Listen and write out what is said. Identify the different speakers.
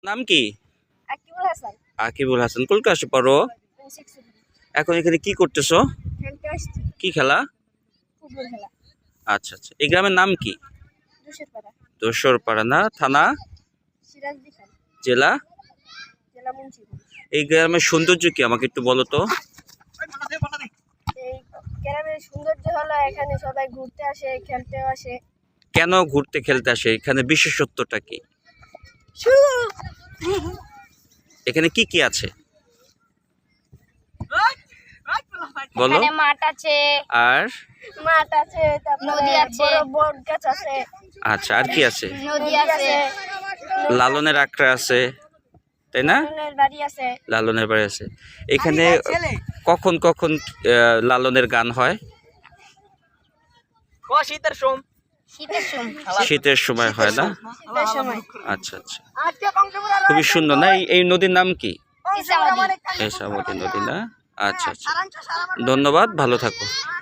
Speaker 1: নাম কি?
Speaker 2: আকিবুল হাসান।
Speaker 1: আকিবুল হাসান। কোন ক্লাসে পড়ো? এখন এখানে কি করতেছো?
Speaker 2: খেলতে আসছি।
Speaker 1: কি খেলা?
Speaker 2: ফুটবল খেলা।
Speaker 1: আচ্ছা আচ্ছা। এই গ্রামের নাম কি?
Speaker 2: দুশেরপাড়া।
Speaker 1: দোসরপাড়া না? থানা?
Speaker 2: সিরাজদি খান।
Speaker 1: জেলা?
Speaker 2: জেলা মুন্সিগঞ্জ।
Speaker 1: এই গ্রামের সৌন্দর্য কি আমাকে একটু বলো তো?
Speaker 2: এই গ্রামের সৌন্দর্য হলো এখানে সবাই ঘুরতে আসে, খেলতে আসে।
Speaker 1: কেন ঘুরতে খেলতে আসে? এখানে বিশেষত্বটা কি? এখানে কি কি আছে বলো?
Speaker 2: এখানে মাঠ আছে,
Speaker 1: আর
Speaker 2: তারপরে নদী আছে, বড় বট গাছ আছে।
Speaker 1: আচ্ছা, আর কি আছে?
Speaker 2: নদী আছে,
Speaker 1: লালনের আখড়া আছে, তাই না?
Speaker 2: লালনের বাড়ি আছে।
Speaker 1: লালনের বাড়ি আছে। এখানে কখন কখন লালনের গান হয়? শীতের সময় হয় না?
Speaker 2: শীতের সময়।
Speaker 1: আচ্ছা আচ্ছা, খুবই সুন্দর না? এই নদীর নাম কি?
Speaker 2: ইসামতি।
Speaker 1: এসামতি নদী না? আচ্ছা আচ্ছা, ধন্যবাদ, ভালো থাকো।